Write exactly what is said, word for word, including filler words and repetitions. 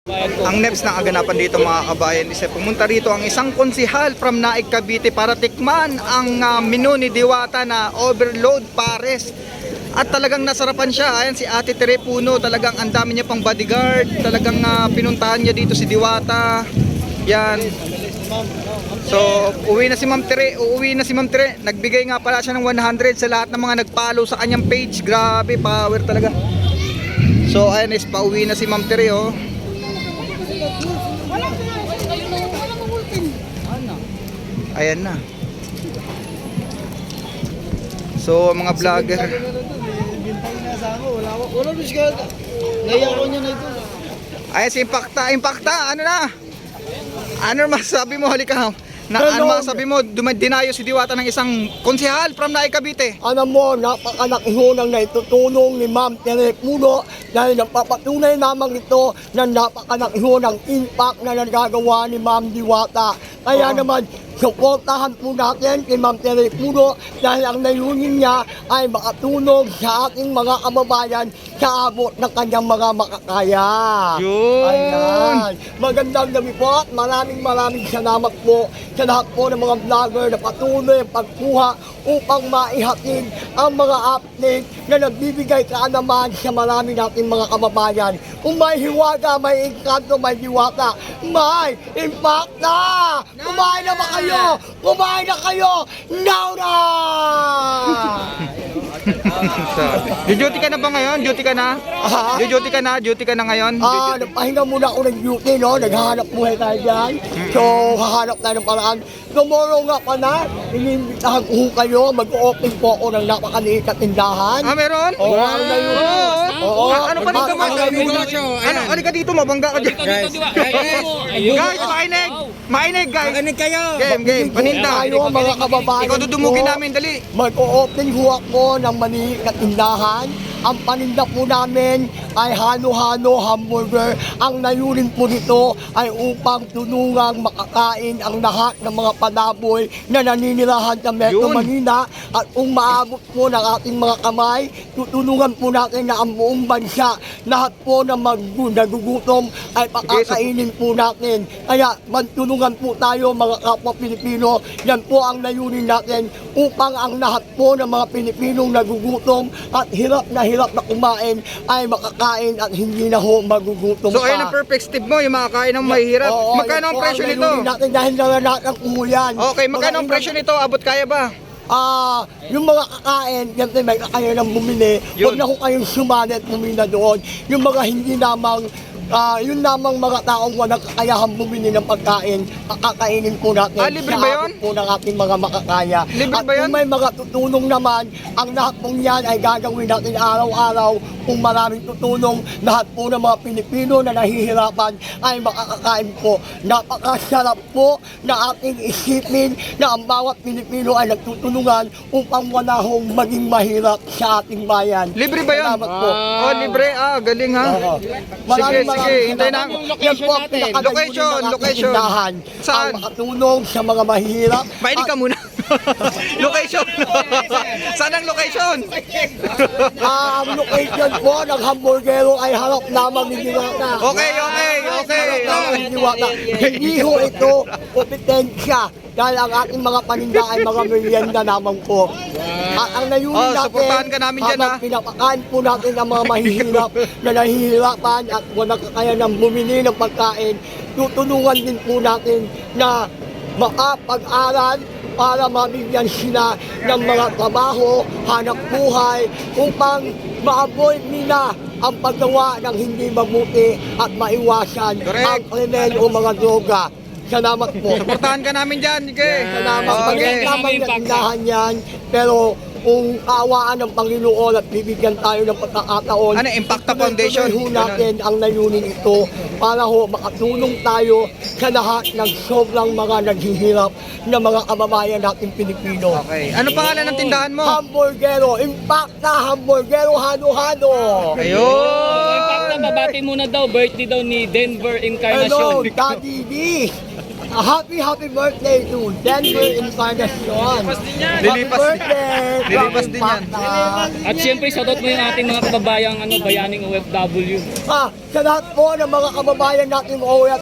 Ang next na kaganapan dito mga kabayan is pumunta rito ang isang konsihal from Naik, Cavite para tikman ang uh, menu ni Diwata na overload pares. At talagang nasarapan siya. Ayan si Ate Tere Puno, talagang ang dami niya pang bodyguard. Talagang uh, pinuntahan niya dito si Diwata. Yan. So, uwi na si Ma'am Tere, uuwi na si Ma'am Tere. Nagbigay nga pala siya ng one hundred sa lahat ng mga nag-follow sa kanyang page. Grabe, power talaga. So, ayan is pauwi na si Ma'am Tere, oh. Ayan na. So, mga vlogger. Ayan si Impacta. Impacta, ano na? Ano masasabi mo? Halika. Na, ano masasabi mo? Dinayo si Diwata ng isang konsehal from Naik, Cavite. Alam mo, napakalaki ho ng naitutulong ni Ma'am Tere Puno dahil napapatunay naman ito na napakalaki ho ng impact na nagagawa ni Ma'am Diwata. Kaya Oo. naman, suportahan po natin kay Ma'am Tere Puno dahil ang layunin niya ay makatulong sa ating mga kababayan sa abot ng kanyang mga makakaya. Yun. Ayan. Magandang gabi po at maraming maraming salamat po sa lahat po ng mga vlogger na patuloy ang pagkuha upang maihatid ang mga update na nagbibigay kaalaman sa marami nating mga kababayan. Kung may hiwaga, may engkanto, may diwata, may impact na! Kumain na ba kayo? Kumain na kayo! Now na! Duty ka na ba ngayon? Duty ka na? Aha. Duty ka na? Duty ka na ngayon? Ah, nagpahinga muna ako ng duty, no? Naghahanap buhay tayo dyan. So, hahanap tayo ng paraan. Tomorrow nga pa na, inimbitahan ko kayo, mag-open po ako ng napakaliit na tindahan. Ah, meron? Oo, ano na yun? Oo. Oo. Ah, ano pa dito mo? Ano na yun? Ano? Ano ka dito? Mabangga ka dyan. Guys, Guys, mainig! Mainig, guys! Makinig kayo. Game, game. Paninda. Tayo, mga kababayan Ikaw dudumugin ko. namin, dali. Mag-o-open ho ako ng maliit na tindahan. Ang paninda po namin ay halo-halo hamburger. Ang layunin po nito ay upang tulungang makakain ang lahat ng mga palaboy na naninirahan sa Metro Yun. Manila. At kung maabot po ng ating mga kamay, tutulungan po natin na ang buong bansa, lahat po na mag nagugutom ay pakakainin po natin. Kaya magtulungan po tayo mga kapwa Pilipino. Yan po ang layunin natin upang ang lahat po ng mga Pilipinong nagugutom at hirap na hirap na kumain ay makakain at hindi na ho magugutom So, pa. ayun ang perfect step mo, yung makakain ng mahihirap. Oo, Magkano yan ang po presyo nito? layunin natin dahil na lahat ng umuyan. Okay, magkano ang presyo nito? Abot kaya ba? Ah, yung mga kakain, siyempre may kakain ng bumili. Yun. Huwag na ho kayong sumali at bumili na doon. Yung mga hindi namang Ah, yun lamang mga taong walang kakayahan bumili ng pagkain, kakakainin po natin. Ah, libre ba sa yun? abot po ng ating mga makakaya. Libre At ba yun? kung may mga tutulong naman, ang lahat pong yan ay gagawin natin araw-araw. Kung maraming tutulong, lahat po ng mga Pilipino na nahihirapan ay makakakain po. Napakasarap po na ating isipin na ang bawat Pilipino ay nagtutulungan upang wala hong maging mahirap sa ating bayan. Libre ba yun? Salamat po. Oh, libre. Ah, galing ha. Oo. Sige, Maraming sige. maraming Hintayin na. salamat. Yan po ang pinakalayunin Location, ng ating location. tindahan. Saan? Ang makatulong sa mga mahirap. Mainig ka muna. Location. Saan ang location? Ah, ang location po ng hamburgero ay harap lamang ni Diwata. Okay, okay, okay. Harap lamang ni Diwata. Hindi ho ito kompetensya dahil ang ating mga paninda ay mga merienda naman po. At ang layunin Oh, natin, suportahan ka namin dyan, habang ha? pinapakain po natin ang mga mahihirap na nahihirapan at walang kakayanan bumili ng pagkain, tutulungan din po natin na makapag-aral para mabigyan sila ng mga trabaho, hanap buhay, upang ma-avoid nila ang paggawa ng hindi mabuti at maiwasan Correct. ang krimen o mga droga. Salamat po. Suportahan ka namin dyan, Ike. Salamat. Okay. Maliit lamang na tindahan yan, pero kung kaawaan ng Panginoon at bibigyan tayo ng pagkakataon, Ano, Impacta Foundation? tuloy-tuloy ho natin ang layunin ito para ho makatulong tayo sa lahat ng sobrang mga naghihirap na mga kababayan nating Pilipino. Okay. Ano pangalan ng tindahan mo? Hamburgero, Impacta Hamburgero, halo-halo. Ayun. Babati muna daw, birthday daw ni Denver Hello, Encarnacion. Daddy D. a happy, happy birthday to Denver Encarnacion. Happy Lilipas din- birthday! lilipas din yan. Pata. At siyempre, shoutout mo yung ating mga kababayang ano, bayaning O F W. Ah, sa lahat po ng mga kababayan nating O F